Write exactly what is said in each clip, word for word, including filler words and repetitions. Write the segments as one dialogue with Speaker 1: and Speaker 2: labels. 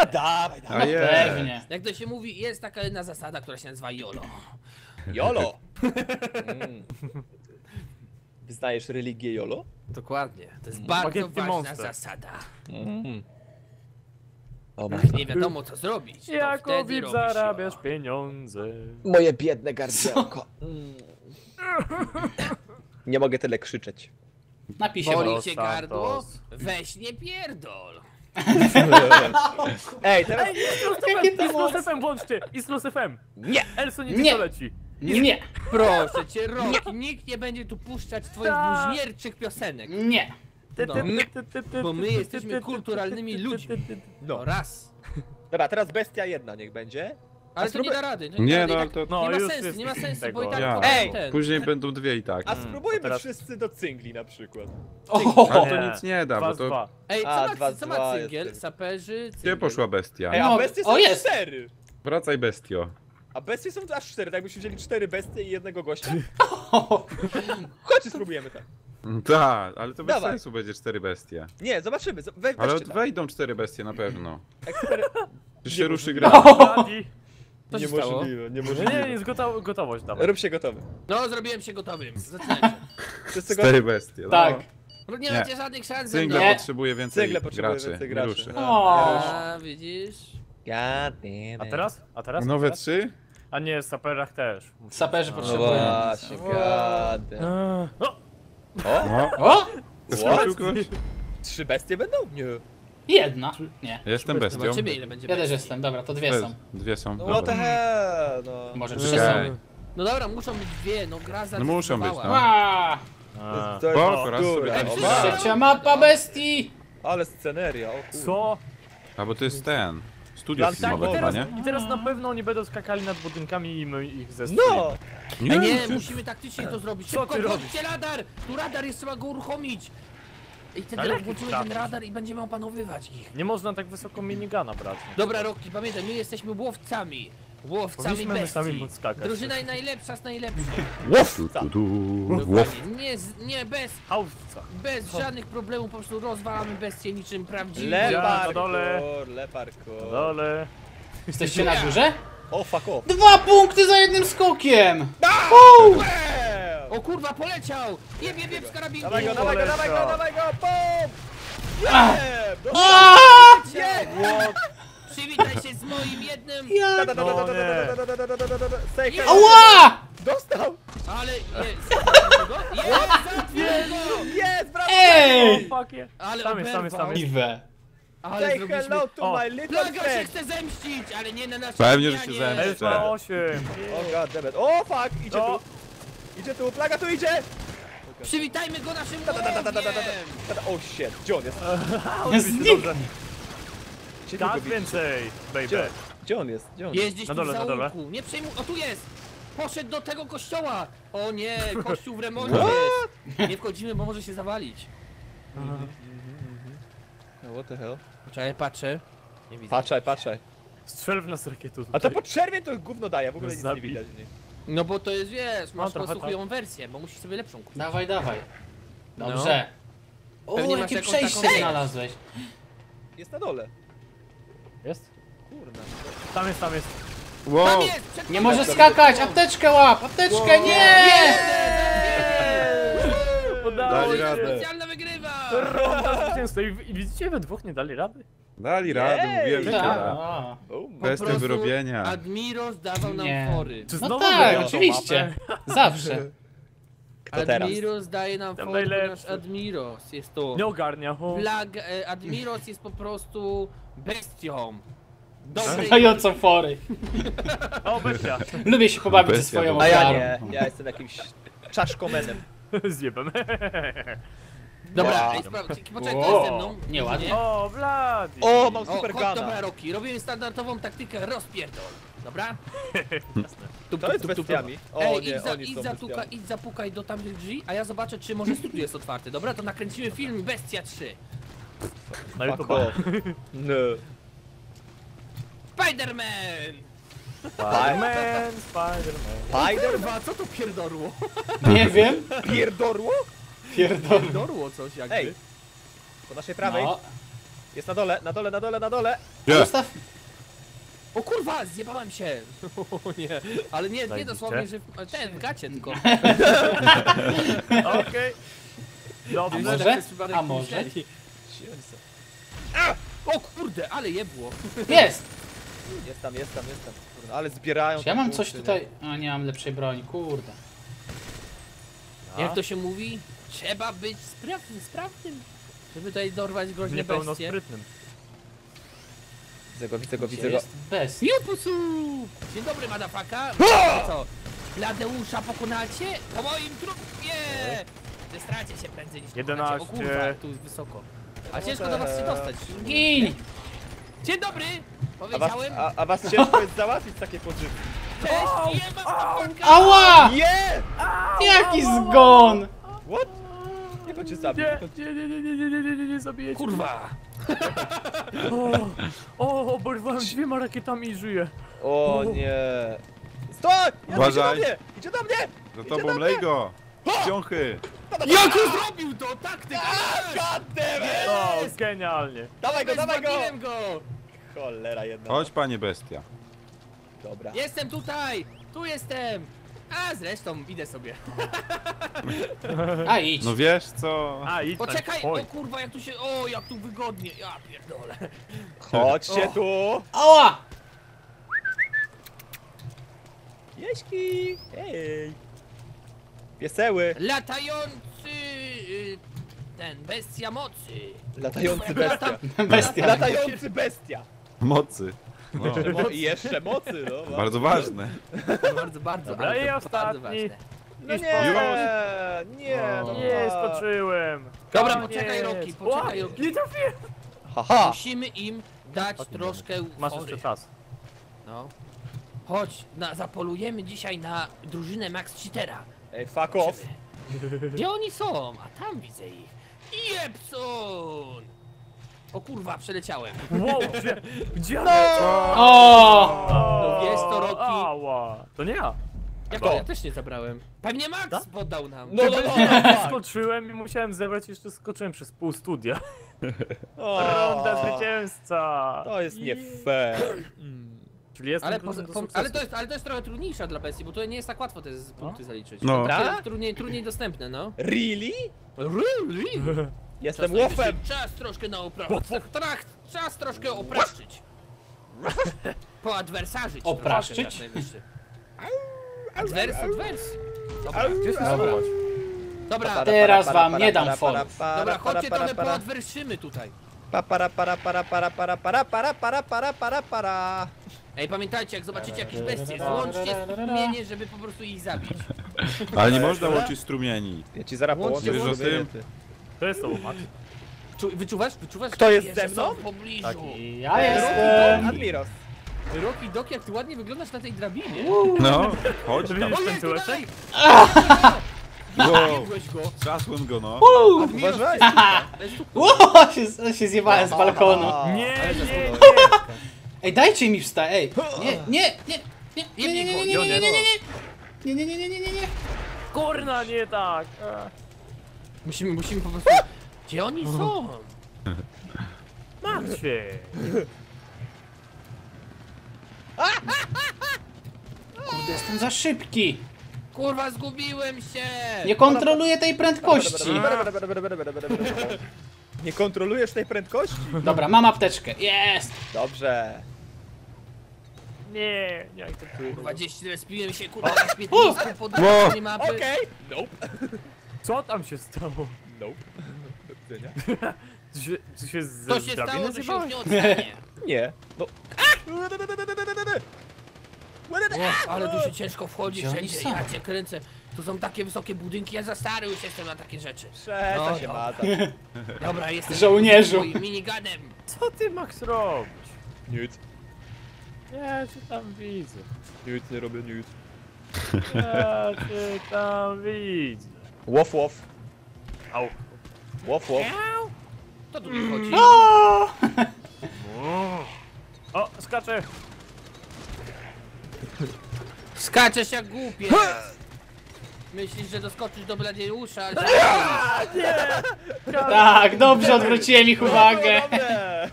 Speaker 1: dawaj,
Speaker 2: A
Speaker 1: dawaj.
Speaker 2: jest.
Speaker 3: Pewnie.
Speaker 4: Jak to się mówi, jest taka jedna zasada, która się nazywa YOLO.
Speaker 1: Jolo. Mm. Wyznajesz religię Jolo?
Speaker 4: Dokładnie. To jest bardzo
Speaker 5: Spaghetti
Speaker 4: ważna
Speaker 5: monster.
Speaker 4: zasada.
Speaker 1: Mm. O,
Speaker 4: Jak nie wiadomo co zrobić, to
Speaker 5: Jako
Speaker 4: wtedy
Speaker 5: VIP
Speaker 4: robisz
Speaker 5: zarabiasz
Speaker 4: YOLO.
Speaker 5: pieniądze.
Speaker 1: moje biedne gardełko. Mm. Nie mogę tyle krzyczeć.
Speaker 3: Napij się
Speaker 4: Boli
Speaker 3: wody.
Speaker 4: cię
Speaker 5: Santos.
Speaker 4: gardło? Weź nie pierdol.
Speaker 1: Ej, teraz...
Speaker 3: Jakie
Speaker 5: I
Speaker 3: to
Speaker 5: z
Speaker 3: moc?
Speaker 5: Lusefem włączcie! I z Lusefem!
Speaker 1: Nie!
Speaker 5: Elso nie,
Speaker 3: Nie.
Speaker 5: nie. leci!
Speaker 3: Nie,
Speaker 4: Proszę cię, Roki, nikt nie będzie tu puszczać twoich
Speaker 5: Tak.
Speaker 4: bluźnierczych piosenek.
Speaker 3: nie.
Speaker 4: No. Bo my jesteśmy kulturalnymi ludźmi. No raz.
Speaker 1: Dobra, teraz bestia jedna niech będzie.
Speaker 4: Ale to nie da rady. To nie,
Speaker 2: Nie,
Speaker 4: da rady,
Speaker 2: no
Speaker 4: i
Speaker 2: ale
Speaker 4: tak,
Speaker 2: to...
Speaker 5: No,
Speaker 4: nie ma
Speaker 5: już
Speaker 4: sensu,
Speaker 5: jest
Speaker 4: nie ma sensu,
Speaker 5: tego.
Speaker 4: bo i tak
Speaker 2: Ja.
Speaker 4: potem
Speaker 1: Ej,
Speaker 4: ten.
Speaker 2: Później będą dwie i tak.
Speaker 1: A
Speaker 5: Mm,
Speaker 1: spróbujmy
Speaker 5: to teraz-
Speaker 1: wszyscy do cyngli na przykład.
Speaker 3: O,
Speaker 2: Ale to nic nie da,
Speaker 5: Dwa
Speaker 2: bo
Speaker 5: z
Speaker 2: to...
Speaker 5: dwa.
Speaker 4: Ej, co
Speaker 1: A,
Speaker 4: ma,
Speaker 1: dwa,
Speaker 4: co ma
Speaker 1: dwa
Speaker 4: cyngiel?
Speaker 1: jest.
Speaker 4: Saperzy,
Speaker 2: Gdzie
Speaker 4: cyngiel.
Speaker 2: poszła bestia?
Speaker 1: Ej,
Speaker 3: No,
Speaker 1: a bestie są
Speaker 3: o, jest.
Speaker 1: cztery!
Speaker 2: Wracaj, bestio.
Speaker 1: A bestie są aż cztery, tak jakbyśmy wzięli cztery bestie i jednego gościa. Chodźcie, spróbujemy tak.
Speaker 2: Tak, ale to bez
Speaker 1: Dawaj.
Speaker 2: sensu będzie cztery bestie.
Speaker 1: Nie, zobaczymy, zo- we,
Speaker 2: Ale
Speaker 1: weźcie tak.
Speaker 2: wejdą cztery bestie na pewno.
Speaker 1: Ekspery...
Speaker 2: Czy się ruszy gra?
Speaker 5: Bladi.
Speaker 4: Co się stało?
Speaker 5: Nie, nie,
Speaker 1: niemożliwe.
Speaker 5: jest gotowo, gotowość dawaj.
Speaker 1: Rób się gotowy.
Speaker 4: No, zrobiłem się gotowym. Zaczynajcie.
Speaker 1: Wszyscy gotowi?
Speaker 2: Cztery bestie. No.
Speaker 3: tak.
Speaker 4: No nie
Speaker 2: Nie.
Speaker 4: macie żadnych szans ze mną.
Speaker 2: Cyngle
Speaker 3: Nie.
Speaker 2: potrzebuje więcej
Speaker 1: Cyngle potrzebuje
Speaker 2: graczy.
Speaker 1: więcej
Speaker 2: Nie
Speaker 1: graczy.
Speaker 2: ruszy.
Speaker 3: O.
Speaker 4: A, widzisz?
Speaker 1: God damn
Speaker 5: A
Speaker 1: it.
Speaker 5: teraz? A teraz?
Speaker 2: Nowe
Speaker 5: teraz?
Speaker 2: trzy?
Speaker 5: A nie, w saperach też.
Speaker 3: Saperzy
Speaker 1: No
Speaker 3: potrzebują.
Speaker 1: właśnie, god damn.
Speaker 5: Eee, O!
Speaker 1: O?
Speaker 2: No.
Speaker 3: O!
Speaker 2: Skoczył ktoś?
Speaker 1: Trzy bestie będą? Nie.
Speaker 3: Jedna. Nie.
Speaker 2: Jestem bestią.
Speaker 4: Zobaczymy ile będzie
Speaker 3: Ja też
Speaker 4: bestii.
Speaker 3: jestem, dobra, to dwie
Speaker 2: Te-
Speaker 3: są.
Speaker 2: Dwie są.
Speaker 1: No
Speaker 2: Dobra.
Speaker 1: what the hell, no.
Speaker 3: Może
Speaker 2: Okej.
Speaker 3: trzy są.
Speaker 4: No dobra, muszą być dwie, no gra
Speaker 2: No muszą być,
Speaker 4: zadecydowała.
Speaker 2: no.
Speaker 3: Ła!
Speaker 5: A.
Speaker 1: To jest
Speaker 2: Spoko, raz
Speaker 1: bzdura.
Speaker 2: sobie
Speaker 1: O,
Speaker 4: tam
Speaker 1: ma-
Speaker 3: Trzecia mapa bestii!
Speaker 1: Ale sceneria, o kurde.
Speaker 5: Co?
Speaker 2: A bo to jest ten. Studio
Speaker 1: Plan
Speaker 2: filmowe
Speaker 1: tak,
Speaker 2: chyba,
Speaker 5: Teraz,
Speaker 2: nie?
Speaker 5: I teraz na pewno oni będą skakali nad budynkami i my ich ze
Speaker 1: No!
Speaker 4: Ej, nie, musimy taktycznie to zrobić.
Speaker 5: Co
Speaker 4: Szybko,
Speaker 5: ty
Speaker 4: włączcie radar! Tu radar jest, trzeba go uruchomić. I wtedy
Speaker 5: Ale
Speaker 4: jak włączymy
Speaker 5: jaki
Speaker 4: ten radar i będziemy opanowywać ich.
Speaker 5: Nie można tak wysoko minigana brać.
Speaker 4: Dobra, Rocky, pamiętaj, my jesteśmy łowcami. Łowcami
Speaker 5: Powinniśmy my sami
Speaker 4: bestii.
Speaker 5: móc skakać.
Speaker 4: Drużyna najlepsza z najlepszych.
Speaker 2: Tu, tu, tu. Łow.
Speaker 4: Dokładnie. Nie, z- nie, bez,
Speaker 5: Hałwca.
Speaker 4: bez żadnych problemów, po prostu rozwalamy bestie niczym prawdziwe.
Speaker 5: na dole.
Speaker 1: Leparkour, leparkour.
Speaker 5: Na dole.
Speaker 3: Jesteście na górze?
Speaker 1: O, fuck off.
Speaker 3: Dwa punkty za jednym skokiem!
Speaker 1: Bam!
Speaker 4: O kurwa, poleciał! Jeb, jeb, jeb z karabinku!
Speaker 1: Dawaj go, dawaj go, dawaj go, dawaj go, bum!
Speaker 3: Ah.
Speaker 1: Jeb! Do-
Speaker 3: Aaaa!
Speaker 1: Jeb!
Speaker 4: Przywitaj się z moim jednym!
Speaker 3: Ja...
Speaker 1: Da, da, da, da, da, da, da, da, da, da, da, da, da, da, da. Say hello.
Speaker 3: Ała!
Speaker 1: Dostał!
Speaker 4: Ale jest! Jest! Zabiłem go!
Speaker 1: Jest, brawo!
Speaker 3: Ej!
Speaker 5: Fuck yeah.
Speaker 4: Ale
Speaker 5: Tam jest, tam jest, tam
Speaker 4: oberwał.
Speaker 5: jest.
Speaker 3: Iwe.
Speaker 4: Ale
Speaker 1: Say
Speaker 4: zrobiliśmy...
Speaker 1: hello to
Speaker 5: O.
Speaker 1: my little
Speaker 4: Plaga się
Speaker 1: friend!
Speaker 4: chce zemścić, ale nie na naszej
Speaker 2: Pewnie, że się
Speaker 4: zmianie.
Speaker 2: zemści.
Speaker 5: Elf ma osiem.
Speaker 1: O god damn it. O fuck, idzie
Speaker 5: O.
Speaker 1: tu! Idzie tu, plaga tu idzie!
Speaker 4: Przywitajmy go naszym
Speaker 1: Da, da, da, da, da, da, da, da.
Speaker 4: łowiem!
Speaker 1: Da, da. O shit, gdzie on jest?
Speaker 3: Znikł.
Speaker 1: Gdzie
Speaker 5: Tak
Speaker 1: go widzisz?
Speaker 5: więcej,
Speaker 1: Gdzie,
Speaker 5: baby.
Speaker 1: gdzie on jest? Gdzie on jest?
Speaker 4: Jest gdzieś
Speaker 5: Na
Speaker 4: tu w
Speaker 5: dole, na dole.
Speaker 4: zaułku. Nie przejmuj... O, tu jest! Poszedł do tego kościoła! O nie, kościół w remoncie
Speaker 1: What?
Speaker 4: jest! Nie wchodzimy, bo może się zawalić.
Speaker 1: No, what the hell?
Speaker 4: Poczekaj, patrzę. Nie widzę.
Speaker 1: Patrzaj, patrzaj.
Speaker 5: Strzel w nas rakietą.
Speaker 1: A to po czerwień to gówno daje, w ogóle nic nie
Speaker 5: Zabij.
Speaker 1: widać. Nie?
Speaker 4: No bo to jest, wiesz, masz po
Speaker 5: trochę
Speaker 4: prostu
Speaker 5: tak.
Speaker 4: chujową wersję, bo musisz sobie lepszą kupić.
Speaker 3: Dawaj, dawaj. Dobrze. O,
Speaker 4: Pewnie masz
Speaker 3: jakie
Speaker 4: jakąś
Speaker 3: przejście
Speaker 4: taką-
Speaker 3: znalazłeś.
Speaker 1: Jest na dole.
Speaker 5: Jest?
Speaker 1: Kurna.
Speaker 5: Tam jest, tam jest.
Speaker 4: Tam
Speaker 2: Wow.
Speaker 4: jest! Przed
Speaker 3: Nie
Speaker 4: tobą!
Speaker 3: może skakać! Apteczkę łap! Apteczkę, nie!
Speaker 5: Udało
Speaker 2: Dali
Speaker 5: się.
Speaker 2: radę.
Speaker 4: Specjalna wygrywa!
Speaker 5: Ronda zwycięstwa. I, I widzicie, we dwóch nie dali rady?
Speaker 2: Dali radę,
Speaker 1: Jej.
Speaker 2: mówiłem, że się
Speaker 3: Tak.
Speaker 2: da.
Speaker 3: A.
Speaker 1: Oh,
Speaker 4: Po
Speaker 2: Bez
Speaker 4: prostu
Speaker 2: wyrobienia.
Speaker 4: Admiros dawał nam
Speaker 3: Nie.
Speaker 4: fory.
Speaker 5: Czy
Speaker 3: No
Speaker 5: znowu
Speaker 3: tak,
Speaker 5: grają tą
Speaker 3: oczywiście.
Speaker 5: mapę?
Speaker 3: Zawsze.
Speaker 1: Kto teraz?
Speaker 4: Admiros daje nam
Speaker 5: Tam
Speaker 4: fory,
Speaker 5: najlepszy.
Speaker 4: ponieważ Admiros jest to...
Speaker 5: Nie ogarnia. O.
Speaker 4: Flag, e, Admiros jest po prostu bestią. Dobrej...
Speaker 3: Dającą fory.
Speaker 5: O, bestia.
Speaker 3: Lubię się pobawić ze
Speaker 2: Bestia
Speaker 3: swoją
Speaker 2: to-
Speaker 1: A ja
Speaker 3: ofiarą.
Speaker 1: nie, ja jestem jakimś czaszkomenem.
Speaker 5: Zjebem.
Speaker 4: Dobra,
Speaker 1: Wow.
Speaker 4: ej, sprawdź, poczekaj,
Speaker 3: Wow.
Speaker 4: to jest ze mną.
Speaker 3: Nieładnie.
Speaker 5: O, Vladi.
Speaker 1: O, mam
Speaker 4: O,
Speaker 1: super
Speaker 4: chodź, dobra,
Speaker 1: gana.
Speaker 4: Roki, robimy standardową taktykę rozpierdol. Dobra? Tup,
Speaker 1: To jest
Speaker 4: tup, tup, tup.
Speaker 1: bestiami. O
Speaker 4: Ej,
Speaker 1: nie,
Speaker 4: idź, za,
Speaker 1: oni
Speaker 4: idź,
Speaker 1: są
Speaker 4: zatuka,
Speaker 1: bestiami.
Speaker 4: idź zapukaj do tamtych drzwi, a ja zobaczę, czy może studio jest otwarte. Dobra, to nakręcimy film Bestia trzy.
Speaker 5: Na
Speaker 1: Fuck
Speaker 5: YouTube.
Speaker 1: off. No.
Speaker 4: Spiderman!
Speaker 5: Spiderman, Spiderman.
Speaker 1: Spider?
Speaker 4: Kurwa, co to pierdorło?
Speaker 3: Nie wiem.
Speaker 1: Pierdorło?
Speaker 3: Pierdolę.
Speaker 4: Pierdorło coś jakby.
Speaker 1: Ej, po naszej prawej.
Speaker 3: No.
Speaker 1: Jest na dole, na dole, na dole, na dole.
Speaker 2: Gdzie?
Speaker 3: Zostaw.
Speaker 4: O kurwa, zjebałem się! O nie, ale nie, nie
Speaker 5: Zajebiście.
Speaker 4: dosłownie, że w, ten, w gacie tylko.
Speaker 5: Okej. Dobrze.
Speaker 3: A może?
Speaker 4: Przez przypadek
Speaker 3: A może?
Speaker 4: myśleli. A! O kurde, ale jebło.
Speaker 3: Jest!
Speaker 1: Jest tam, jest tam, jest tam. Kurde, ale zbierają.
Speaker 3: Czy ja
Speaker 1: te
Speaker 3: mam coś
Speaker 1: punkty, nie?
Speaker 3: tutaj... A nie mam lepszej broni, kurde.
Speaker 4: Jak to się mówi? Trzeba być sprawnym, sprawnym, żeby tutaj dorwać groźne bestie.
Speaker 5: Niepełnosprytnym.
Speaker 1: Widzę go, widzę go,
Speaker 3: Gdzie
Speaker 1: widzę go.
Speaker 3: jest bez?
Speaker 4: Jupusu! Dzień dobry, madafaka. Co? Ladeusza pokonacie? Po moim trupie! Zestracie się prędzej niż
Speaker 5: jedenaście.
Speaker 4: pokonacie. O kurwa, tu jest wysoko. A ciężko do was się dostać.
Speaker 3: Gin!
Speaker 4: Dzień dobry!
Speaker 1: A was,
Speaker 4: Powiedziałem.
Speaker 1: a, a was ciężko jest załatwić takie podżywki.
Speaker 4: Cześć, jeba madafaka!
Speaker 3: Ała!
Speaker 1: Nie!
Speaker 3: Jaki zgon!
Speaker 1: What? Jak on cię zabił?
Speaker 5: Nie, nie, nie, nie, nie, nie, nie, nie, nie, nie zabijecie.
Speaker 4: Kurwa!
Speaker 5: O, o, oberwałem dwiema rakietami i żyję.
Speaker 1: O nie. Stój! Ja,
Speaker 2: Uważaj.
Speaker 1: Idzie do mnie! Idzie do mnie!
Speaker 2: Za
Speaker 1: Idzie
Speaker 2: tobą
Speaker 1: do mnie!
Speaker 2: lej go! Ciąchy!
Speaker 4: Jak on zrobił to? Taktyka!
Speaker 1: God damn it!
Speaker 5: O, genialnie.
Speaker 1: Dawaj go, dawaj go!
Speaker 4: Zbawiłem go!
Speaker 1: Cholera jedna.
Speaker 2: Chodź, panie bestia.
Speaker 1: Dobra.
Speaker 4: Jestem tutaj! Tu jestem! A zresztą idę sobie.
Speaker 3: A idź.
Speaker 2: No wiesz co?
Speaker 5: A, idź tam,
Speaker 4: Poczekaj!
Speaker 5: oj.
Speaker 4: O kurwa, jak tu się. O, jak tu wygodnie! Ja pierdolę.
Speaker 1: Chodźcie
Speaker 4: O.
Speaker 1: tu!
Speaker 3: Ała!
Speaker 1: Jeśki! Ej! Pieseły!
Speaker 4: Latający. y, Ten, bestia mocy.
Speaker 1: Latający bestia.
Speaker 3: Bestia.
Speaker 1: Latający bestia!
Speaker 2: Mocy. No,
Speaker 1: Mo I jeszcze mocy, no.
Speaker 2: bardzo ważne.
Speaker 4: Bardzo, bardzo.
Speaker 5: Dobra,
Speaker 4: ale
Speaker 5: i
Speaker 4: to
Speaker 5: ostatni.
Speaker 4: bardzo ważne.
Speaker 1: No
Speaker 5: Już
Speaker 1: nie!
Speaker 2: Już.
Speaker 1: Nie! No
Speaker 5: Nie,
Speaker 1: a.
Speaker 5: skoczyłem.
Speaker 4: Dobra,
Speaker 5: Koniec.
Speaker 4: poczekaj, Roki, poczekaj,
Speaker 5: O,
Speaker 4: Roki.
Speaker 5: nie trafiłem.
Speaker 1: Haha!
Speaker 4: Musimy im dać troszkę
Speaker 5: Masz
Speaker 4: fory.
Speaker 5: jeszcze czas.
Speaker 4: No. Chodź, na, zapolujemy dzisiaj na drużynę Max Cheatera.
Speaker 1: Ej, fuck off!
Speaker 4: Gdzie oni są? A tam widzę ich. Jepson! O kurwa, przeleciałem.
Speaker 5: Wow, gdzie? Gdzie?
Speaker 3: O!
Speaker 4: No wiesz to, Roki.
Speaker 5: Ała. To nie ja.
Speaker 4: Jak
Speaker 1: Co?
Speaker 4: ja też nie zabrałem. Pewnie Max
Speaker 5: Tak?
Speaker 4: poddał nam.
Speaker 1: No, no, no, no, tak.
Speaker 5: Skoczyłem i musiałem zebrać, jeszcze skoczyłem przez pół studia.
Speaker 1: O,
Speaker 5: Ronda zwycięzca.
Speaker 1: To jest nie fair.
Speaker 5: Czyli jestem
Speaker 4: Ale,
Speaker 5: kluczem
Speaker 4: po,
Speaker 5: do
Speaker 4: po,
Speaker 5: sukcesu.
Speaker 4: ale, to jest, ale to jest trochę trudniejsza dla bestii, bo to nie jest tak łatwo te z- punkty zaliczyć.
Speaker 2: No.
Speaker 4: To
Speaker 1: Dobra?
Speaker 4: jest trudniej, trudniej dostępne, no.
Speaker 1: Really?
Speaker 4: Really?
Speaker 1: Jestem
Speaker 4: Czas
Speaker 1: łofem!
Speaker 4: najwyższy, Czas troszkę na oprawę. Trach, czas troszkę opraszczyć. Poadwersarzyć.
Speaker 3: Opraszczyć?
Speaker 4: troszkę, czas najwyższy. Adwers, adwers. Dobra,
Speaker 5: Gdzie jest
Speaker 3: Dobra.
Speaker 5: schować?
Speaker 4: dobra,
Speaker 3: Teraz wam nie dam forów.
Speaker 4: dobra, chodźcie trochę poadwerszymy tutaj.
Speaker 1: Pa para para para para para para para para para para para.
Speaker 4: Ej, pamiętajcie, jak zobaczycie jakieś bestie, złączcie strumienie, żeby po prostu ich zabić.
Speaker 2: Ale nie można łączyć strumieni.
Speaker 1: Ja ci zaraz
Speaker 4: Łącznie
Speaker 1: połączę.
Speaker 2: wiesz o
Speaker 1: żeby-
Speaker 2: tym?
Speaker 5: To jest to, Max.
Speaker 4: Czu, wyczuwasz? Wyczuwasz?
Speaker 1: Kto jest
Speaker 4: Jeszcze
Speaker 1: ze mną?
Speaker 4: są w pobliżu.
Speaker 5: Tak.
Speaker 3: Ja jestem.
Speaker 1: Admiros.
Speaker 4: Roki Dok, jak ty ładnie wyglądasz na tej drabinie.
Speaker 2: No, chodź
Speaker 5: To
Speaker 2: tam.
Speaker 5: widzisz
Speaker 4: Ojej,
Speaker 5: ten tyłeczek?
Speaker 4: tutaj!
Speaker 2: Wow,
Speaker 4: Biegłeś go.
Speaker 2: trzasłem go no.
Speaker 4: Admiros,
Speaker 1: Uważaj.
Speaker 4: bez tu-
Speaker 3: Ło, się, się zjebałem z balkonu.
Speaker 1: A.
Speaker 5: Nie, nie, nie.
Speaker 3: Ej, dajcie mi wstać, ej. Nie, nie, nie, nie, nie, nie, nie, nie, nie, nie, nie, nie, nie, nie, nie, nie, nie, nie, nie, nie.
Speaker 5: Kurna, nie tak. A.
Speaker 4: Musimy, musimy po prostu... Gdzie oni są?
Speaker 5: Martwie.
Speaker 3: Kurde, jestem za szybki.
Speaker 4: Kurwa, zgubiłem się!
Speaker 3: Nie kontroluję tej prędkości.
Speaker 1: Nie kontrolujesz tej prędkości?
Speaker 3: Dobra, mam apteczkę. Jest.
Speaker 1: Dobrze.
Speaker 5: Nie, nie akceptuję.
Speaker 4: Kurwa, gdzieś respiłem się, kurwa, na śmietnisku po drugiej stronie mapy.
Speaker 1: Okej. Nope.
Speaker 5: Co tam się stało?
Speaker 1: Nope. Do widzenia.
Speaker 5: Ty się, ty się z
Speaker 4: To się
Speaker 5: drabiny
Speaker 4: stało, że się już
Speaker 5: zjebałeś?
Speaker 4: nie odstanie.
Speaker 1: Nie. No.
Speaker 4: O, ale tu się ciężko wchodzi
Speaker 3: Gdzie oni
Speaker 4: wszędzie,
Speaker 3: są?
Speaker 4: ja cię kręcę. Tu są takie wysokie budynki, ja za stary już jestem na takie rzeczy.
Speaker 1: Przestań
Speaker 4: No,
Speaker 1: się
Speaker 4: dobra.
Speaker 1: mazać.
Speaker 4: Dobra, jestem
Speaker 3: Żołnierzu.
Speaker 4: swoim miniganem.
Speaker 5: Co ty, Max, robisz?
Speaker 1: Nic.
Speaker 5: Ja cię tam widzę.
Speaker 1: Nic, nie robię nic.
Speaker 5: Ja cię tam widzę.
Speaker 1: Łof, łof.
Speaker 5: Au.
Speaker 1: Łof, łof.
Speaker 4: To tu mi chodzi.
Speaker 3: O!
Speaker 5: O, skaczę.
Speaker 4: Skaczesz jak głupie. Myślisz, że doskoczysz do Bladiusza, ale...
Speaker 3: Tak, dobrze, odwróciłem ich uwagę.
Speaker 1: Dobre.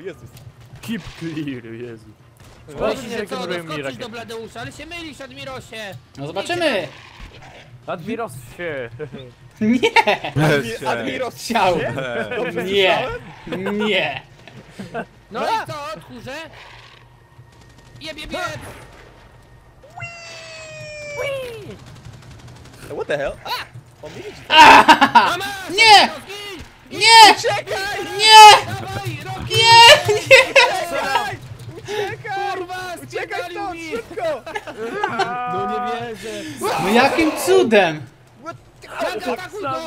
Speaker 1: Jezus.
Speaker 5: Keep clear, Jezu.
Speaker 4: Myślisz,
Speaker 5: Zobaczcie,
Speaker 4: że
Speaker 5: jakie
Speaker 4: co,
Speaker 5: robią mi
Speaker 4: doskoczysz
Speaker 5: rakiety.
Speaker 4: do Bladeusza, ale się mylisz, Admirosie.
Speaker 3: No zobaczymy!
Speaker 5: Admiros się.
Speaker 3: Nie!
Speaker 2: Weź się.
Speaker 1: Admiros
Speaker 3: Chciał!
Speaker 1: Dobrze
Speaker 3: Nie!
Speaker 1: słyszałem?
Speaker 3: Nie!
Speaker 4: No i co, tchórze? Jeb, jeb, jeb.
Speaker 1: What the hell? A! On mnie widzi.
Speaker 4: Mama!
Speaker 3: Nie!
Speaker 4: Zgin!
Speaker 3: Nie!
Speaker 1: Uciekaj!
Speaker 3: Nie!
Speaker 4: Dawaj, Rocky!
Speaker 3: Nie! Nie!
Speaker 1: Uciekaj! Uciekaj!
Speaker 4: Kurwa,
Speaker 1: Uciekaj
Speaker 4: spierdolił
Speaker 1: stąd,
Speaker 4: mi!
Speaker 1: szybko!
Speaker 4: No nie wierzę.
Speaker 3: No jakim cudem?
Speaker 4: Flaga, atakuj go!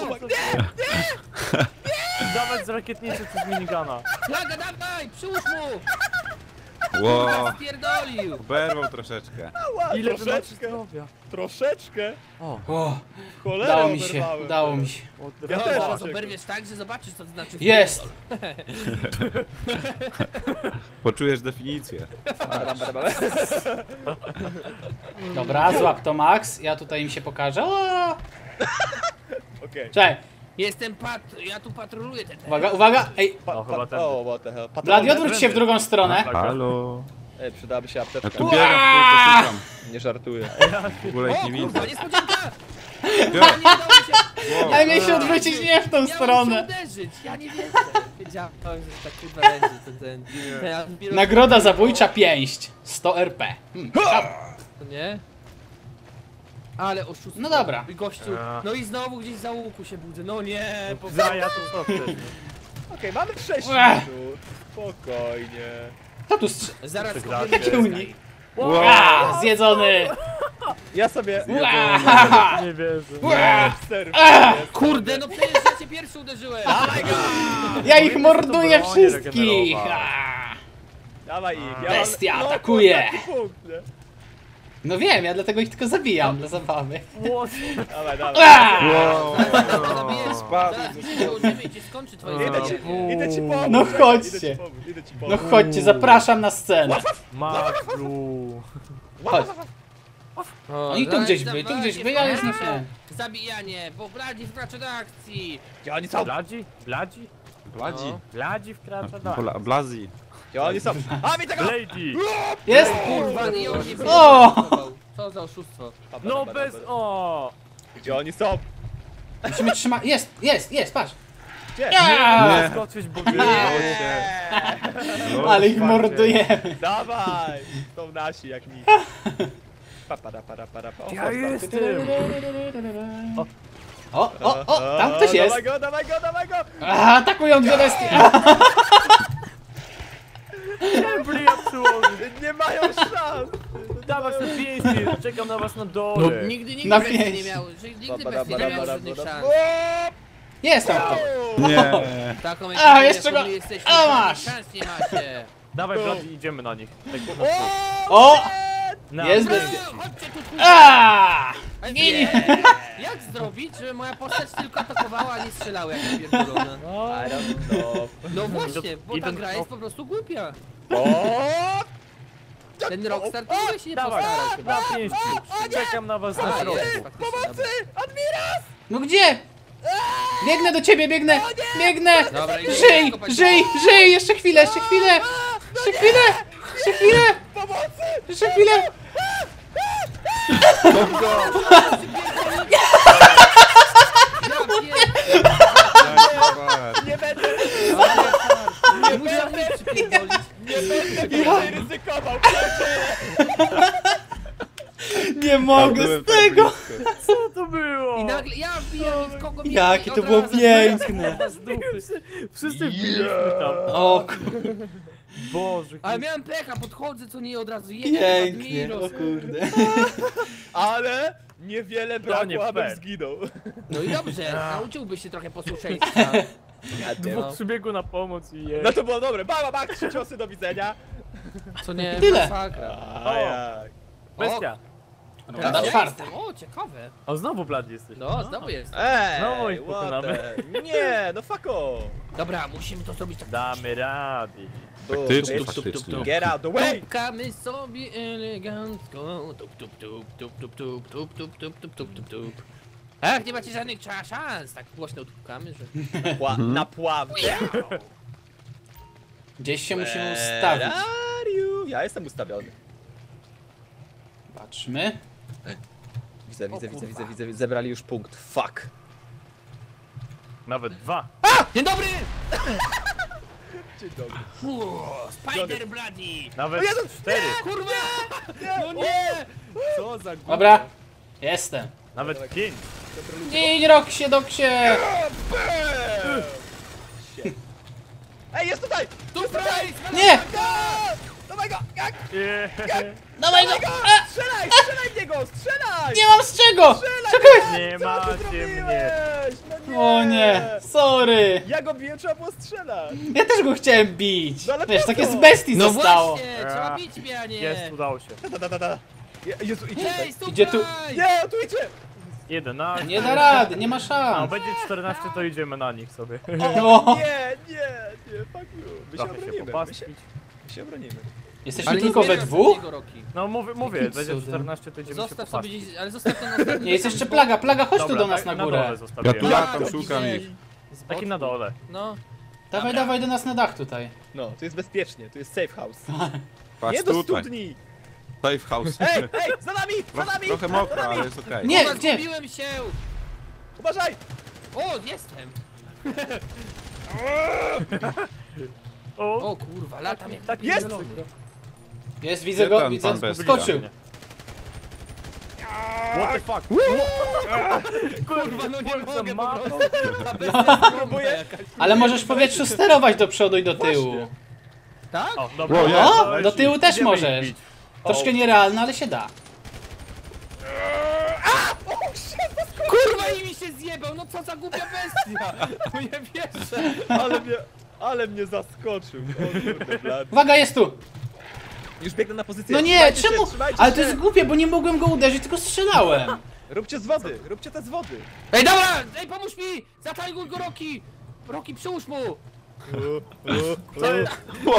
Speaker 5: Dawać z rakietnicy czy z minigana.
Speaker 4: Flaga, dawaj, przyłóż mu!
Speaker 2: Ło,
Speaker 4: Spierdolił!
Speaker 2: oberwał troszeczkę.
Speaker 1: Ała,
Speaker 5: Ile wy macie
Speaker 1: troszeczkę,
Speaker 5: zdrowia?
Speaker 1: troszeczkę.
Speaker 5: O,
Speaker 3: O,
Speaker 1: Cholera
Speaker 3: udało mi się,
Speaker 1: oberwałem.
Speaker 3: udało mi się.
Speaker 5: od
Speaker 1: Ja
Speaker 4: No,
Speaker 1: też.
Speaker 4: zaraz oberwiesz tak, że zobaczysz, co to znaczy
Speaker 3: Jest!
Speaker 2: Poczujesz definicję.
Speaker 1: Badam, badam, badam.
Speaker 3: Dobra, złap to Max, ja tutaj im się pokażę. O!
Speaker 1: Okej.
Speaker 3: Czekaj,
Speaker 4: Jestem pat... ja tu patroluję ten...
Speaker 3: uwaga, uwaga! Ej,
Speaker 1: Pa-
Speaker 5: No, chyba
Speaker 1: pa-
Speaker 5: tędy.
Speaker 1: O, what the hell.
Speaker 3: Blady,
Speaker 1: Patrolne?
Speaker 3: odwróć się w drugą stronę.
Speaker 2: Halo.
Speaker 1: Ej, przydałaby się
Speaker 2: Ja
Speaker 1: apteczka.
Speaker 2: tu biegam, w kółko szukam.
Speaker 1: Nie żartuję.
Speaker 2: W ogóle ich
Speaker 4: O
Speaker 2: nie widzę.
Speaker 4: kurwa, niespodzianka!
Speaker 2: Ja-
Speaker 4: Nie udało mi się...
Speaker 2: Wow.
Speaker 3: Ja miałem się odwrócić nie w tą
Speaker 4: Ja muszę
Speaker 3: stronę.
Speaker 4: uderzyć, ja nie wierzę. Wiedziałem, że tak kurwa będzie ten... ten, ten Admiros-
Speaker 3: Nagroda zabójcza pięść. sto R P. Hmm,
Speaker 4: To nie? Ale oszustwo.
Speaker 3: No dobra.
Speaker 4: I gościu, no i znowu gdzieś za łuku się budzę, no nie, po...
Speaker 5: Za ja to co wtedy?
Speaker 1: Okej, mamy sześć
Speaker 3: Ech.
Speaker 1: minut. Spokojnie.
Speaker 3: kto tu strze...
Speaker 4: Zaraz
Speaker 5: Przegrałem.
Speaker 4: kopiemy
Speaker 3: Jaki unik?
Speaker 2: Wow.
Speaker 3: A, zjedzony!
Speaker 1: Ja sobie...
Speaker 3: Ua!
Speaker 5: Nie wierzę.
Speaker 3: Ua!
Speaker 1: Serw.
Speaker 4: Kurde, no przecież ja cię pierwszy uderzyłem!
Speaker 1: Dawaj go!
Speaker 3: Ja ich morduję
Speaker 5: bronię
Speaker 3: wszystkich!
Speaker 5: regenerować.
Speaker 3: A.
Speaker 1: Dawaj ich. Ja
Speaker 3: Bestia
Speaker 1: mam...
Speaker 3: atakuje.
Speaker 1: No, taki punkt, nie?
Speaker 3: No wiem, ja dlatego ich tylko zabijam dla zabawy.
Speaker 5: What?
Speaker 1: Dawaj, dawaj.
Speaker 3: A!
Speaker 2: Wow.
Speaker 4: Zabijesz,
Speaker 2: Spadł.
Speaker 4: zaraz mi się dołożymy i cię skończy twoje
Speaker 1: Idę ci,
Speaker 4: zabawienie.
Speaker 1: idę ci pomóc.
Speaker 3: No
Speaker 1: czekaj,
Speaker 3: chodźcie.
Speaker 1: Idę ci pomóc, idę ci
Speaker 3: No
Speaker 1: pomóc.
Speaker 3: chodźcie, zapraszam na scenę.
Speaker 5: Maxu.
Speaker 3: Chodź.
Speaker 4: O,
Speaker 3: Oni tu
Speaker 4: zaraz
Speaker 3: gdzieś byli, tu
Speaker 4: dawajcie,
Speaker 3: gdzieś byli, ale już nie
Speaker 4: wkracza.
Speaker 3: wiem.
Speaker 4: Zabijanie, bo Bladzi wkracza do akcji!
Speaker 1: Gdzie oni są?
Speaker 5: Bladzi? Bladzi?
Speaker 2: Bladzi.
Speaker 4: No.
Speaker 5: Bladzi wkracza do...
Speaker 2: Bla, Blazi.
Speaker 1: Gdzie oni są? A, widzę go!
Speaker 5: Lady!
Speaker 3: Jest?
Speaker 4: Kurwa, i on nie
Speaker 3: O!
Speaker 4: wyjechał. Co za oszustwo.
Speaker 5: No bez... O!
Speaker 1: Gdzie oni są?
Speaker 3: Musimy trzymać. Jest, jest, jest, patrz.
Speaker 1: Gdzie?
Speaker 3: Ja!
Speaker 5: Nie skoczyć, bo wy...
Speaker 1: Eee,
Speaker 3: Ale ich mordujemy.
Speaker 1: Dawaj! Są nasi jak nic. Pa, para, para, para, pa. O,
Speaker 5: Ja
Speaker 1: chodź,
Speaker 5: jestem!
Speaker 3: O, o, o, tam ktoś jest.
Speaker 1: Dawaj go, dawaj go, dawaj go!
Speaker 3: A, atakują dwie bestie.
Speaker 5: Dobry, ja przyłożę.
Speaker 1: Nie mają szans!
Speaker 5: Dawać na pięści, czekam na was na
Speaker 4: No,
Speaker 5: dole.
Speaker 4: nigdy, nigdy
Speaker 3: Na
Speaker 4: bestie nie
Speaker 3: pięść.
Speaker 4: miały, że nigdy
Speaker 1: Ba, ba,
Speaker 4: bestie
Speaker 1: ba,
Speaker 4: nie
Speaker 1: ba,
Speaker 4: miały
Speaker 1: ba,
Speaker 4: żadnych
Speaker 1: ba, ba.
Speaker 4: szans.
Speaker 3: Jest tam kto.
Speaker 2: Nie.
Speaker 4: Taką
Speaker 3: A,
Speaker 4: ekipę,
Speaker 3: jeszcze
Speaker 4: jaką
Speaker 3: go-
Speaker 4: my jesteśmy,
Speaker 3: a,
Speaker 4: żadnych
Speaker 3: masz.
Speaker 4: szans nie macie.
Speaker 5: Dawaj, Bladzi, idziemy na nich. Tak po
Speaker 1: O!
Speaker 3: O!
Speaker 5: Na
Speaker 3: Jest
Speaker 4: No,
Speaker 3: bestia.
Speaker 4: chodźcie tu, tu.
Speaker 3: A!
Speaker 4: Ale
Speaker 3: Nie, nie.
Speaker 4: nie. Jak zrobić, żeby moja postać tylko atakowała, a nie strzelała jak pierdolona?
Speaker 1: I don't know.
Speaker 4: No właśnie, bo ta
Speaker 5: Idą-
Speaker 4: gra jest po prostu głupia.
Speaker 1: O!
Speaker 4: Ten Rockstar to w ogóle się nie
Speaker 5: Dawaj,
Speaker 4: postarał chyba.
Speaker 5: na pięści. Czekam na was na
Speaker 4: A,
Speaker 5: środku.
Speaker 4: jest, faktycznie, dobra.
Speaker 1: Admiras!
Speaker 3: No gdzie? Biegnę do ciebie, biegnę! Biegnę!
Speaker 4: Dobra, idę
Speaker 3: Żyj!
Speaker 4: kopać.
Speaker 3: Żyj! Żyj! Jeszcze chwilę, jeszcze chwilę! Jeszcze chwilę! Jeszcze chwilę!
Speaker 1: Pomocy!
Speaker 3: Jeszcze chwilę!
Speaker 4: Ja pier-
Speaker 1: Nie będę,
Speaker 4: Nie muszę mnie przypierdolić.
Speaker 1: nie będę więcej ryzykował, kurczę!
Speaker 3: Nie mogę z tego!
Speaker 5: Co to było?
Speaker 4: I nagle ja wbijam i w kogo mnie
Speaker 3: Jakie
Speaker 4: i
Speaker 3: to
Speaker 4: od
Speaker 3: było
Speaker 4: razu-
Speaker 3: piękne!
Speaker 4: z dupy.
Speaker 5: Wszyscy wbiliśmy tam.
Speaker 3: O kur-
Speaker 5: Boże,
Speaker 4: Ale miałem pecha, podchodzę co nie od razu jedzie.
Speaker 3: pięknie,
Speaker 4: Admiros.
Speaker 3: o kurde.
Speaker 1: Ale niewiele
Speaker 5: nie
Speaker 1: brakło, abym
Speaker 5: fair.
Speaker 1: zginął.
Speaker 4: No i dobrze, nauczyłbyś się trochę posłuszeństwa.
Speaker 5: dwóch przybiegło na pomoc i je.
Speaker 1: No to było dobre. Baba, bak, trzy ciosy, do widzenia.
Speaker 4: Co nie,
Speaker 3: Tyle.
Speaker 4: masakra.
Speaker 1: A jak?
Speaker 5: Bestia.
Speaker 3: Runda
Speaker 4: Ja
Speaker 3: czwarta.
Speaker 4: jestem. O, ciekawe.
Speaker 5: O, znowu Bladzi jesteś.
Speaker 4: No, znowu jest.
Speaker 5: Znowu
Speaker 1: Ej,
Speaker 5: ich
Speaker 1: what
Speaker 5: pokonamy.
Speaker 1: the- Nie, no fuck off.
Speaker 4: Dobra, musimy to zrobić tak.
Speaker 5: Damy rady.
Speaker 2: Faktycznie,
Speaker 1: Tup, tup, tup,
Speaker 2: faktycznie.
Speaker 1: tup. Get out the way!
Speaker 4: Tupkamy sobie elegancko. Tup, tup, tup, tup, tup, tup, tup, tup, tup, tup, tup, tup, tup. Ach, nie macie żadnych cza- szans. Tak głośno tupkamy, że...
Speaker 1: Pła- na pławnie.
Speaker 3: Gdzieś się musimy
Speaker 1: Where
Speaker 3: ustawić.
Speaker 1: are you? Ja jestem ustawiony.
Speaker 3: Patrzmy.
Speaker 1: Widzę, widzę, widzę, widzę, widzę, widzę, zebrali już punkt. Fuck.
Speaker 5: Nawet dwa.
Speaker 4: Dzień dobry!
Speaker 1: Dzień dobry.
Speaker 4: Uuu, Spider Bloody!
Speaker 5: Nawet
Speaker 1: O Jezu,
Speaker 5: cztery.
Speaker 4: Kurwa! No nie!
Speaker 1: Co za gówno.
Speaker 3: Dobra. Jestem.
Speaker 5: Nawet pięć.
Speaker 3: Idź, Roxie, Doksie!
Speaker 1: Shit. Ej, jest tutaj!
Speaker 4: Tu Price!
Speaker 3: Nie!
Speaker 1: Dawaj go! Jak?
Speaker 5: Yeah.
Speaker 3: Dawaj go! A!
Speaker 1: Strzelaj! Strzelaj w niego! Strzelaj!
Speaker 3: Nie mam z czego!
Speaker 1: Strzelaj!
Speaker 3: Czekaj!
Speaker 5: Nie
Speaker 1: Co ty
Speaker 5: macie
Speaker 1: zrobiłeś?
Speaker 5: mnie.
Speaker 1: No nie!
Speaker 3: O nie, sorry.
Speaker 1: Ja go biję, trzeba było strzelać!
Speaker 3: Ja też go chciałem bić.
Speaker 1: No ale
Speaker 3: Wiesz,
Speaker 1: po
Speaker 3: takie
Speaker 1: co?
Speaker 3: z bestii
Speaker 4: No
Speaker 3: zostało.
Speaker 4: właśnie! Trzeba bić mnie, a nie!
Speaker 5: Jest, udało się.
Speaker 1: Da, da, da, da. Je- Jezu, idzie
Speaker 4: Hej,
Speaker 1: tutaj.
Speaker 4: stop
Speaker 3: Idzie tu.
Speaker 1: Nie, tu idzie!
Speaker 5: jedenaście.
Speaker 3: Nie da rady, nie ma
Speaker 5: A
Speaker 3: szans.
Speaker 5: będzie czternaście, to idziemy na nich sobie.
Speaker 3: No.
Speaker 1: O, nie, nie, nie, fuck you. My się
Speaker 5: Trochę się
Speaker 1: obronimy, my się,
Speaker 5: popastwić.
Speaker 1: my się obronimy.
Speaker 3: Jesteśmy
Speaker 4: nie
Speaker 3: tylko we
Speaker 4: zbieram
Speaker 3: dwóch?
Speaker 4: żadnego, Roki.
Speaker 5: No mówię, mówię,
Speaker 3: Jakim
Speaker 5: będzie
Speaker 3: cudem?
Speaker 5: czternaście, to idziemy się
Speaker 4: Zostaw sobie
Speaker 5: popatrzeć.
Speaker 4: gdzieś, ale zostaw to na ostatnim.
Speaker 3: Nie, jest jeszcze plaga, plaga, chodź tu
Speaker 5: Dobra,
Speaker 3: do nas
Speaker 5: tak,
Speaker 3: na
Speaker 5: na
Speaker 3: górę.
Speaker 5: dole zostawiłem.
Speaker 2: Ja tu ja
Speaker 4: Tak,
Speaker 2: tam szukam
Speaker 4: widzę.
Speaker 2: ich.
Speaker 4: Z
Speaker 5: Taki
Speaker 4: boku.
Speaker 5: na dole.
Speaker 4: No.
Speaker 3: Dawaj, dawaj do nas na dach tutaj.
Speaker 1: No, tu jest bezpiecznie, tu jest safe house.
Speaker 2: Patrz
Speaker 1: Nie do
Speaker 2: tutaj.
Speaker 1: studni!
Speaker 2: Safe house.
Speaker 1: Ej, ej, za nami, za
Speaker 2: Trochę,
Speaker 1: nami!
Speaker 2: trochę
Speaker 1: za
Speaker 2: mokro,
Speaker 1: nami.
Speaker 2: ale jest okej.
Speaker 3: Nie,
Speaker 4: Kurwa,
Speaker 3: gdzie?
Speaker 4: zgubiłem się!
Speaker 1: Uważaj!
Speaker 4: O, jestem!
Speaker 5: O,
Speaker 4: O kurwa, latam jak
Speaker 5: taki
Speaker 1: Jest!
Speaker 5: zielony.
Speaker 3: Jest, widzę
Speaker 2: Gdzie
Speaker 3: go,
Speaker 2: ten
Speaker 3: widzę,
Speaker 2: pan bestia?
Speaker 3: skoczył.
Speaker 5: What the fuck?
Speaker 4: kurwa, no nie
Speaker 5: Za
Speaker 4: mogę po
Speaker 5: mapą.
Speaker 4: prostu. Ta bestia
Speaker 1: Próbuję.
Speaker 4: jakaś.
Speaker 3: Ale możesz w powietrzu sterować do przodu i do tyłu.
Speaker 1: Właśnie.
Speaker 4: Tak?
Speaker 5: O, dobra.
Speaker 2: O, jest,
Speaker 3: No,
Speaker 5: leci.
Speaker 3: do tyłu też
Speaker 5: Idziemy ich
Speaker 3: możesz.
Speaker 5: bić.
Speaker 3: Troszkę nierealne, ale się da.
Speaker 4: Kurwa, i mi się zjebał, no co za głupia bestia! No nie wierzę.
Speaker 1: Ale mnie, ale mnie zaskoczył. O kurde, blad.
Speaker 3: Uwaga, jest tu!
Speaker 1: Już biegnę na pozycję.
Speaker 3: No nie,
Speaker 1: Trzymajcie
Speaker 3: czemu?
Speaker 1: Się, trzymajcie
Speaker 3: Ale to
Speaker 1: się.
Speaker 3: jest głupie, bo nie mogłem go uderzyć, tylko strzelałem.
Speaker 1: Róbcie z wody, róbcie te z wody.
Speaker 4: Ej, dobra! Ej, pomóż mi! Zatajuj go, Roki! Roki, przyłóż mu!
Speaker 5: Co jest?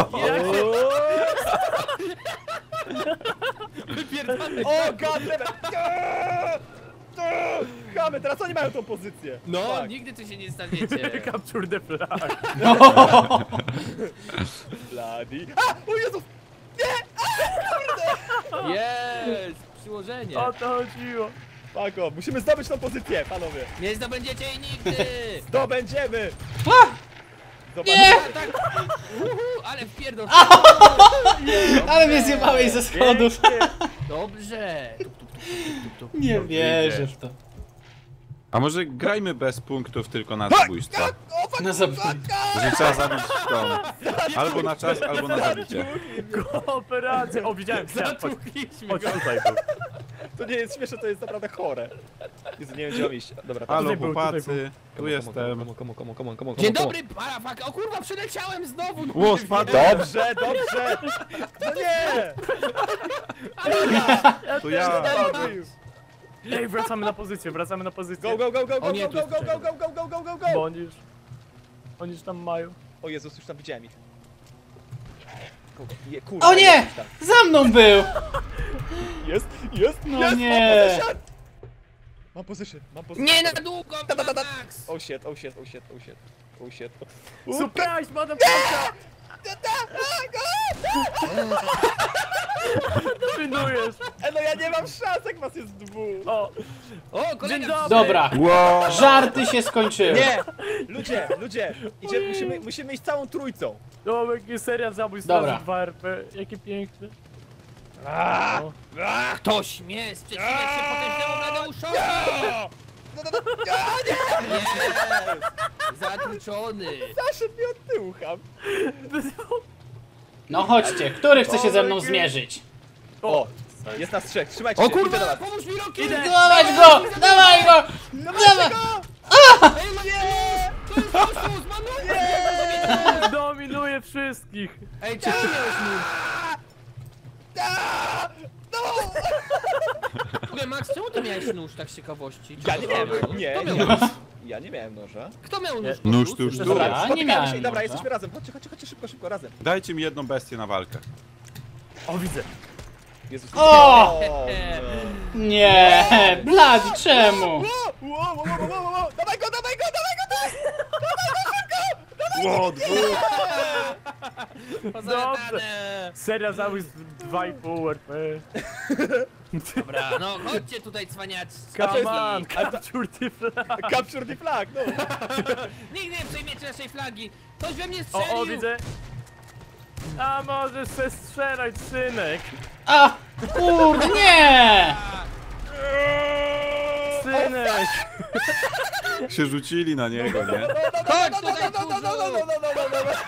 Speaker 4: Wypierdalaj!
Speaker 1: O, goddammit! Chamy, teraz oni mają tą pozycję.
Speaker 4: No,
Speaker 1: Tak.
Speaker 4: nigdy tu się nie staniecie.
Speaker 5: Capture the flag.
Speaker 1: Bloody. A! O Jezus!
Speaker 4: Jest! Przyłożenie.
Speaker 5: O to chodziło.
Speaker 1: Pako, musimy zdobyć tą pozycję, panowie.
Speaker 4: Nie zdobędziecie jej nigdy!
Speaker 1: Zdobędziemy!
Speaker 3: A!
Speaker 1: Zobaczcie.
Speaker 3: Nie!
Speaker 4: A, tak! Uhu, ale wpierdol!
Speaker 3: Ale mnie zjebałeś ze schodów.
Speaker 5: Pięknie.
Speaker 4: Dobrze!
Speaker 3: Nie wierzę w to.
Speaker 2: A może grajmy bez punktów, tylko na zabójstwo?
Speaker 3: No zobacz.
Speaker 2: Że trzeba zabić tą. Albo na czas, albo na zabicie.
Speaker 5: Kooperacja. O, widziałem ścian. Chodź,
Speaker 4: Zatłukliśmy
Speaker 5: chodź
Speaker 4: go!
Speaker 5: tutaj był.
Speaker 1: To nie jest śmieszne, to jest naprawdę chore. Jezu, nie wiem gdzie mam iść. Dobra, tam.
Speaker 2: Halo
Speaker 5: Tutaj był, tutaj
Speaker 2: chłopacy, tu jestem.
Speaker 1: Komu, komu, komu, komu, komu,
Speaker 4: Dzień
Speaker 1: komu.
Speaker 4: dobry, parafaka! O kurwa, przyleciałem znowu! No,
Speaker 2: Ło,
Speaker 4: nie
Speaker 2: spadł.
Speaker 4: wierzę.
Speaker 1: Dobrze, dobrze! No nie!
Speaker 2: To ja.
Speaker 5: Ej, wracamy na pozycję, wracamy na pozycję.
Speaker 1: Go, go, go, go, go,
Speaker 4: O nie,
Speaker 1: go,
Speaker 4: tu
Speaker 1: go,
Speaker 4: jest
Speaker 1: go, go, go, go, go, go,
Speaker 5: Bo
Speaker 1: go!
Speaker 5: oni już... Oni już tam mają.
Speaker 1: O Jezus, już tam widziałem ich. Go, go. Je, kurwa,
Speaker 3: O nie!
Speaker 1: jest tam.
Speaker 3: Za mną był!
Speaker 1: Jest, jest,
Speaker 3: No
Speaker 1: jest!
Speaker 3: nie.
Speaker 1: Mam position! Mam position!
Speaker 4: Nie na długo,
Speaker 1: Da, da, da, da.
Speaker 4: Max!
Speaker 1: Oh shit, oh shit, oh shit, oh shit, oh shit.
Speaker 5: Surprise, motherfucker! Dominujesz!
Speaker 1: E, no ja nie mam szans, jak was jest dwóch!
Speaker 5: O,
Speaker 4: O,
Speaker 5: dzień
Speaker 4: kolega!
Speaker 5: dobry!
Speaker 3: Dobra,
Speaker 2: Ło!
Speaker 3: żarty się skończyły.
Speaker 1: Nie! Ludzie, ludzie! Idzie, musimy, musimy iść całą trójcą!
Speaker 5: No, jakie seria zabójstw
Speaker 3: Dobra.
Speaker 5: razy dwa R P. Jakie piękne. O.
Speaker 4: Kto śmie sprzeciwiać się potężnemu Bladeuszowi?
Speaker 1: No, no, no, a, nie!
Speaker 4: Jest! Zatłuczony!
Speaker 1: Zaszedł mi od tyłu, ham!
Speaker 3: No chodźcie, który chce się ze mną zmierzyć?
Speaker 1: O! Jest nas trzech, trzymajcie
Speaker 4: O
Speaker 1: się, idę do
Speaker 4: kurwa,
Speaker 1: was!
Speaker 4: pomóż mi Roki!
Speaker 3: Dawaj go! Dawaj go! Dawaj!
Speaker 4: Ej, nie! To jest oszust, manuję!
Speaker 5: Dominuje wszystkich.
Speaker 4: Ej, czemu miałeś nóż? W ogóle, Max, czemu ty miałeś nóż, tak z ciekawości?
Speaker 1: Ja nie miałem,
Speaker 4: Kto
Speaker 1: nie,
Speaker 4: miał
Speaker 1: nie,
Speaker 4: nóż?
Speaker 1: ja nie miałem noża.
Speaker 4: Kto miał nóż?
Speaker 2: Nóż tu już tu.
Speaker 3: Dobra, nie
Speaker 1: Spotykamy
Speaker 3: miałem
Speaker 1: się i dobra,
Speaker 3: noża.
Speaker 1: jesteśmy razem. Chodźcie, chodźcie, chodźcie, szybko, szybko, razem.
Speaker 2: Dajcie mi jedną bestię na walkę.
Speaker 5: O, widzę.
Speaker 1: Jezus.
Speaker 3: O!
Speaker 1: no.
Speaker 3: Nie, Bladi, czemu?
Speaker 1: Wow, wow, wow, wow, wow, wow. Dawaj go, dawaj go, dawaj go, dawaj!
Speaker 2: Ło, dwóch!
Speaker 4: Pozamiatane!
Speaker 5: Seria zamysł dwa i pół R P.
Speaker 4: Dobra, no chodźcie tutaj, cwaniaczki.
Speaker 5: Come on, capture the flag.
Speaker 1: Capture the flag, no.
Speaker 4: Nigdy nie przejmiecie naszej flagi! Ktoś we mnie strzelił!
Speaker 5: O, o, widzę. A możesz se strzelać, synek.
Speaker 3: A! Kurde, nie!
Speaker 5: Synek.
Speaker 2: Się rzucili na niego, nie?
Speaker 4: Chodź tutaj,
Speaker 1: No, no, no, no,
Speaker 4: kurzu!
Speaker 1: no, no, no, no, no.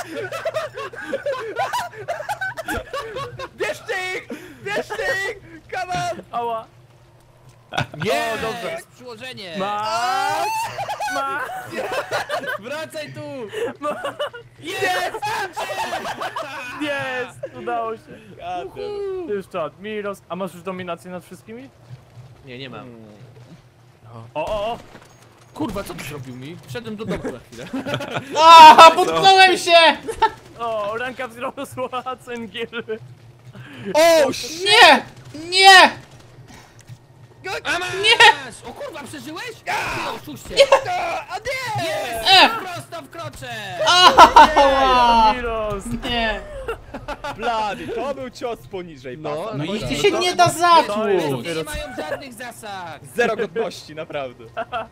Speaker 1: Bierzcie ich! Bierzcie ich! Come on!
Speaker 5: Ała.
Speaker 4: Nie,
Speaker 5: O, dobrze.
Speaker 4: jest przyłożenie!
Speaker 5: Max! Max!
Speaker 4: Wracaj tu!
Speaker 1: Jest!
Speaker 5: Jest! Udało się.
Speaker 1: Gadem.
Speaker 5: Jeszcze Admiros. A masz już dominację nad wszystkimi?
Speaker 4: Nie, nie mam.
Speaker 5: O, o, o!
Speaker 4: Kurwa, co ty zrobił mi? Wszedłem do domu na chwilę.
Speaker 3: A! Potknąłem się!
Speaker 5: O, ręka wzrosła, cyngiel.
Speaker 1: O, shit!
Speaker 3: Nie! Nie!
Speaker 4: A masz! Nie! O kurwa, przeżyłeś? Ty oszuście!
Speaker 1: A nie!
Speaker 4: Jest!
Speaker 3: E!
Speaker 4: Prosto w krocze!
Speaker 3: Ała!
Speaker 5: Admiros!
Speaker 3: Nie!
Speaker 1: Blady, to był cios poniżej
Speaker 4: No,
Speaker 1: pasa.
Speaker 3: No i
Speaker 4: to-
Speaker 3: ty się nie da
Speaker 5: To
Speaker 3: zatłuc!
Speaker 5: jest-
Speaker 4: Bestie nie mają żadnych zasad!
Speaker 1: Zero godności, naprawdę.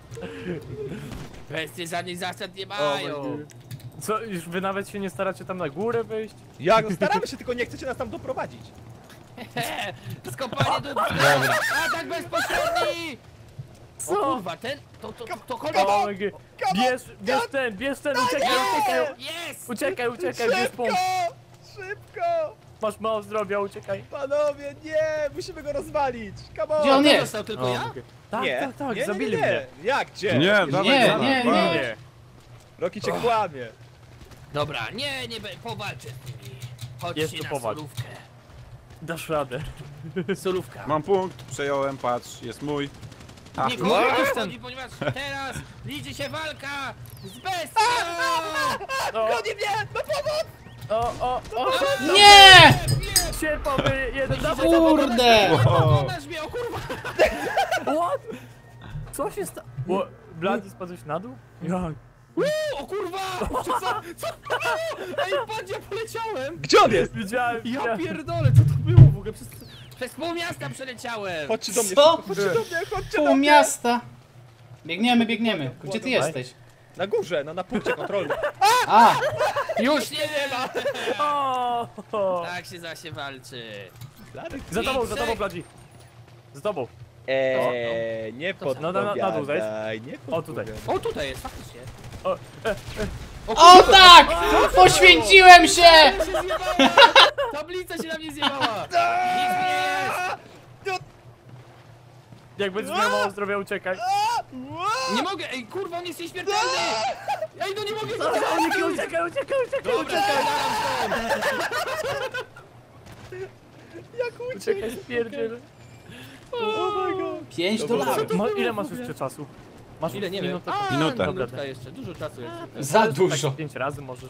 Speaker 4: Bestie żadnych zasad nie
Speaker 1: my
Speaker 4: mają!
Speaker 1: God.
Speaker 5: Co, już wy nawet się nie staracie tam na górę wejść?
Speaker 1: Jak? No staramy się, tylko nie chcecie nas tam doprowadzić.
Speaker 4: Skopanie do... Atak bezpośredni! O kurwa, ten... To, to, to, to kolego!
Speaker 5: O, G. Bierz, bierz ten, bierz ten, uciekaj, uciekaj!
Speaker 4: Jest!
Speaker 5: Uciekaj, uciekaj, bierz
Speaker 1: Szybko!
Speaker 5: punkt!
Speaker 1: Szybko!
Speaker 5: Masz mało zdrowia, uciekaj!
Speaker 1: Panowie, nie! Musimy go rozwalić! Come on!
Speaker 3: Gdzie on
Speaker 4: To
Speaker 3: jest?
Speaker 4: został tylko
Speaker 5: O,
Speaker 4: ja?
Speaker 5: okej. Tak,
Speaker 1: nie,
Speaker 5: tak, tak,
Speaker 1: nie,
Speaker 5: zabili
Speaker 1: nie, nie,
Speaker 5: mnie.
Speaker 1: nie. Jak, gdzie?
Speaker 2: Nie,
Speaker 1: Rocky,
Speaker 2: dawaj,
Speaker 3: Nie,
Speaker 2: dawaj,
Speaker 3: nie,
Speaker 2: dawaj.
Speaker 3: nie.
Speaker 5: Nie,
Speaker 1: Rocky cię kłamie.
Speaker 4: Dobra, nie, nie, be- powalczę z nimi. Chodźcie
Speaker 5: Jest tu
Speaker 4: na
Speaker 5: powalcz.
Speaker 4: solówkę.
Speaker 5: dasz radę.
Speaker 4: Solówka.
Speaker 2: Mam punkt, przejąłem, patrz, jest mój. Ach,
Speaker 4: Nie
Speaker 2: no.
Speaker 4: kurwa chodzi, ponieważ teraz liczy się walka z bestią!
Speaker 5: O,
Speaker 1: Goni mnie! No pomoc!
Speaker 5: o, o, o!
Speaker 3: Nie!
Speaker 5: Sierpowy jeden, dawaj,
Speaker 3: Kurde!
Speaker 4: Pokonasz mnie, o kurwa!
Speaker 5: What? Co się stało? Blady, spadłeś na dół? Jak?
Speaker 4: O kurwa! Co? Co? Ej, patrz, ja poleciałem!
Speaker 1: Gdzie on jest?
Speaker 5: Widziałem,
Speaker 4: Ja
Speaker 5: widziałem.
Speaker 4: pierdolę, co to było w ogóle? Przez, przez pół miasta przeleciałem!
Speaker 1: Chodźcie do mnie,
Speaker 3: Co?
Speaker 1: szybko, chodźcie do mnie, chodźcie do
Speaker 3: Pół
Speaker 1: mnie!
Speaker 3: miasta! Biegniemy, biegniemy. Gdzie ty jesteś?
Speaker 1: Na górze, no na punkcie kontrolnym.
Speaker 3: A!
Speaker 4: Już nie ma!
Speaker 5: O, o.
Speaker 4: Tak się zasie walczy.
Speaker 5: Za tobą, za tobą, Blady. Za tobą.
Speaker 1: Eee, nie
Speaker 4: To-
Speaker 5: no, na- na dół zejdź.
Speaker 1: podpowiadaj, nie
Speaker 5: O, tutaj.
Speaker 1: podpowiadaj.
Speaker 4: O, tutaj jest, faktycznie.
Speaker 5: O, e,
Speaker 3: O tak! Poświęciłem się!
Speaker 4: Tablica się zjebała! Tablica się na mnie zjebała! Nic mi nie jest!
Speaker 5: jak będziesz miał mało zdrowia, uciekaj.
Speaker 4: Nie mogę! Ej, kurwa, on jest nieśmiertelny! Ej, no nie mogę!
Speaker 5: Uciekaj, uciekaj, uciekaj, uciekaj,
Speaker 4: Dobra,
Speaker 5: uciekaj.
Speaker 4: daram stąd!
Speaker 1: Jak uciekł?
Speaker 5: Uciekaj, spierdziel.
Speaker 1: Oh my god.
Speaker 3: Pięć
Speaker 1: Dobra.
Speaker 3: dolarów.
Speaker 5: Ma, ile masz jeszcze czasu? Masz
Speaker 4: Ile, nie wiem.
Speaker 5: minutę?
Speaker 4: A,
Speaker 2: Minutę.
Speaker 4: minutka jeszcze, dużo czasu jest.
Speaker 3: Za
Speaker 5: Tak
Speaker 3: dużo.
Speaker 5: pięć razy możesz.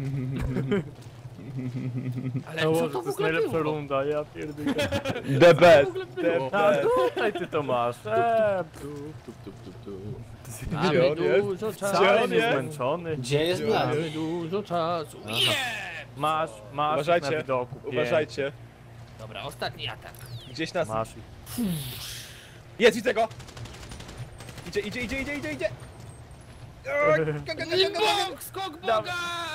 Speaker 4: Ale
Speaker 5: No,
Speaker 4: co
Speaker 5: to
Speaker 4: to w
Speaker 5: jest
Speaker 4: ogóle
Speaker 5: najlepsza
Speaker 4: było?
Speaker 5: runda, ja pierdolę.
Speaker 1: The
Speaker 4: Co to
Speaker 1: best.
Speaker 4: w ogóle było?
Speaker 5: A tutaj ty to masz. Eee,
Speaker 4: Tup, tup, tup, tup.
Speaker 1: Gdzie
Speaker 4: Mamy
Speaker 1: on jest?
Speaker 4: dużo
Speaker 1: Gdzie
Speaker 4: czasu.
Speaker 5: wcale
Speaker 1: on
Speaker 5: nie
Speaker 1: jest?
Speaker 5: zmęczony.
Speaker 3: Gdzie jest Blady?
Speaker 4: Mamy dużo czasu. Nie!
Speaker 5: Masz, masz
Speaker 1: Uważajcie,
Speaker 5: na widoku. pięć.
Speaker 1: Uważajcie.
Speaker 4: Dobra, ostatni atak.
Speaker 1: Gdzieś nas...
Speaker 5: Masz.
Speaker 1: Jest, widzę go! Idzie, idzie, idzie, idzie, idzie, idzie! Eee, go, go, go, go, go, go.
Speaker 4: Bóg, skok Boga!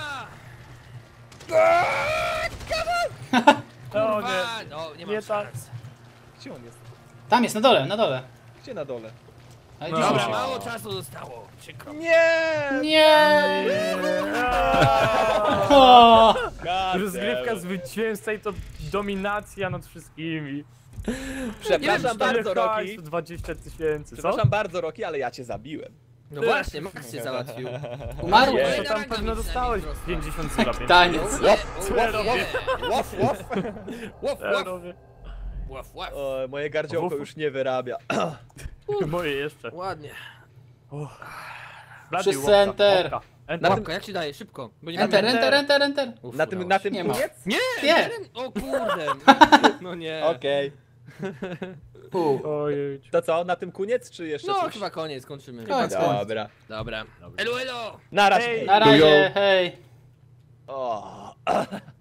Speaker 5: O
Speaker 4: Kurwa!
Speaker 5: nie.
Speaker 4: No, nie
Speaker 5: Nie
Speaker 4: mam
Speaker 5: tak.
Speaker 4: szans.
Speaker 1: Gdzie on jest?
Speaker 3: Tam jest, na dole, na dole.
Speaker 1: Gdzie na dole?
Speaker 3: Ale
Speaker 5: No.
Speaker 3: gdzie
Speaker 4: Dobra,
Speaker 3: się-
Speaker 4: mało czasu zostało. Przykro.
Speaker 1: Nie!
Speaker 3: Nie!
Speaker 5: Eee.
Speaker 3: O!
Speaker 1: God
Speaker 5: Rozgrywka
Speaker 1: damn.
Speaker 5: zwycięzca i to dominacja nad wszystkimi.
Speaker 1: Przepraszam bardzo,
Speaker 5: Ile
Speaker 1: Rocky.
Speaker 5: hajsu? dwadzieścia tysięcy, co?
Speaker 1: Przepraszam bardzo, Rocky, ale ja cię zabiłem.
Speaker 4: No właśnie, Max cię załatwił.
Speaker 3: Umarł?
Speaker 1: Nie.
Speaker 5: To tam pewno dostałeś pięćdziesiąt zł.
Speaker 3: Taniec.
Speaker 4: O nie,
Speaker 5: Co ja
Speaker 4: o
Speaker 5: robię?
Speaker 4: nie.
Speaker 1: Łof, łof!
Speaker 4: Łaf,
Speaker 5: Ja
Speaker 4: łaf,
Speaker 5: robię.
Speaker 4: łaf, łaf.
Speaker 1: O, moje gardziołko już nie wyrabia.
Speaker 5: Moje jeszcze.
Speaker 4: Ładnie.
Speaker 5: Blady,
Speaker 3: Wszyscy
Speaker 5: łapka,
Speaker 3: enter.
Speaker 5: łapka. Enter.
Speaker 4: Łapka, jak się daje? Szybko. Bo nie
Speaker 3: Enter,
Speaker 4: mamy-
Speaker 3: enter, enter, enter.
Speaker 4: Uf,
Speaker 1: Na tym,
Speaker 4: udało
Speaker 1: na
Speaker 4: się.
Speaker 1: tym
Speaker 3: Nie ma.
Speaker 1: koniec?
Speaker 4: Nie!
Speaker 3: Nie.
Speaker 4: O kurde! No nie.
Speaker 1: Okej.
Speaker 3: Pół.
Speaker 5: Ojej.
Speaker 1: To co, na tym koniec, czy jeszcze
Speaker 4: No
Speaker 1: coś?
Speaker 4: chyba koniec, kończymy.
Speaker 3: Koniec, koniec.
Speaker 1: Dobra.
Speaker 4: Dobra. Elo, elo!
Speaker 1: Na razie.
Speaker 5: Hej.
Speaker 3: Na razie, hej.
Speaker 1: O. Ach.